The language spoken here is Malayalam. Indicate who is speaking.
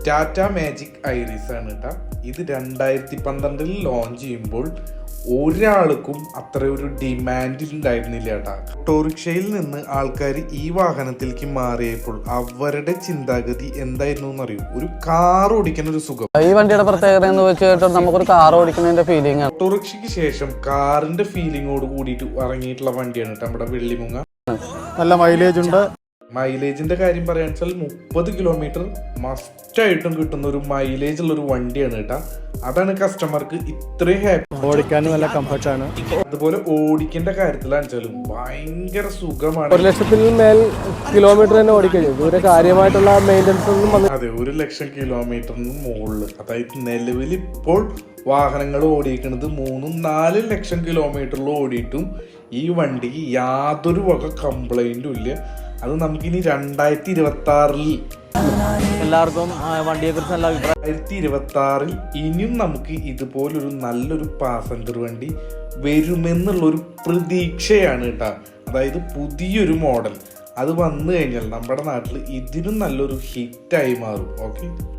Speaker 1: ടാറ്റ മാജിക് ഐറിസ് ആണ് കേട്ടോ. ഇത് 2012 ലോഞ്ച് ചെയ്യുമ്പോൾ ഒരാൾക്കും അത്ര ഒരു ഡിമാൻഡ് ഉണ്ടായിരുന്നില്ല കേട്ടാ. ഓട്ടോറിക്ഷയിൽ നിന്ന് ആൾക്കാർ ഈ വാഹനത്തിലേക്ക് മാറിയപ്പോൾ അവരുടെ ചിന്താഗതി എന്തായിരുന്നു എന്നറിയൂ? ഒരു കാർ ഓടിക്കുന്ന ഒരു സുഖം.
Speaker 2: ഈ വണ്ടിയുടെ പ്രത്യേകത എന്ന് വെച്ചാൽ നമുക്കൊരു കാർ ഓടിക്കുന്നതിന്റെ ഫീലിംഗ് ആണ്.
Speaker 1: ഓട്ടോറിക്ഷയ്ക്ക് ശേഷം കാറിന്റെ ഫീലിങ്ങോട് കൂടിയിട്ട് ഇറങ്ങിയിട്ടുള്ള വണ്ടിയാണ് കേട്ടോ നമ്മുടെ വെള്ളിമുങ്ങ.
Speaker 3: നല്ല മൈലേജ് ഉണ്ട്.
Speaker 1: മൈലേജിന്റെ കാര്യം പറയാന്ന് വെച്ചാൽ 30 കിലോമീറ്റർ മസ്റ്റായിട്ടും കിട്ടുന്ന ഒരു മൈലേജ് ഉള്ള ഒരു വണ്ടിയാണ് കേട്ടാ. അതാണ് കസ്റ്റമർക്ക് ഇത്രയും ഹാപ്പി.
Speaker 3: ഓടിക്കാനും നല്ല കംഫർട്ടാണ്.
Speaker 1: അതുപോലെ ഓടിക്കേണ്ട കാര്യത്തിലാണെച്ചാലും ഭയങ്കര സുഖമാണ്.
Speaker 3: 1,00,000 മേൽ കിലോമീറ്റർ തന്നെ ഓടിക്കഴിഞ്ഞു. ഒരു കാര്യമായിട്ടുള്ള മെയിൻ്റനൻസ് ഒന്നും വന്നു.
Speaker 1: അതെ, 1,00,000 കിലോമീറ്ററിന് മുകളിൽ. അതായത് നിലവിൽ ഇപ്പോൾ വാഹനങ്ങൾ ഓടിക്കുന്നത് 3-4 ലക്ഷം കിലോമീറ്ററിൽ ഓടിയിട്ടും ഈ വണ്ടിക്ക് യാതൊരു വക കംപ്ലൈന്റും ഇല്ല. അത് നമുക്കിനി 2026
Speaker 2: എല്ലാവർക്കും വണ്ടിയെ കുറിച്ച് നല്ല അഭിപ്രായം.
Speaker 1: 2026 ഇനിയും നമുക്ക് ഇതുപോലൊരു നല്ലൊരു പാസഞ്ചർ വണ്ടി വരുമെന്നുള്ളൊരു പ്രതീക്ഷയാണ് കേട്ടോ. അതായത് പുതിയൊരു മോഡൽ അത് വന്നു കഴിഞ്ഞാൽ നമ്മുടെ നാട്ടിൽ ഇതിനും നല്ലൊരു ഹിറ്റായി മാറും. ഓക്കെ.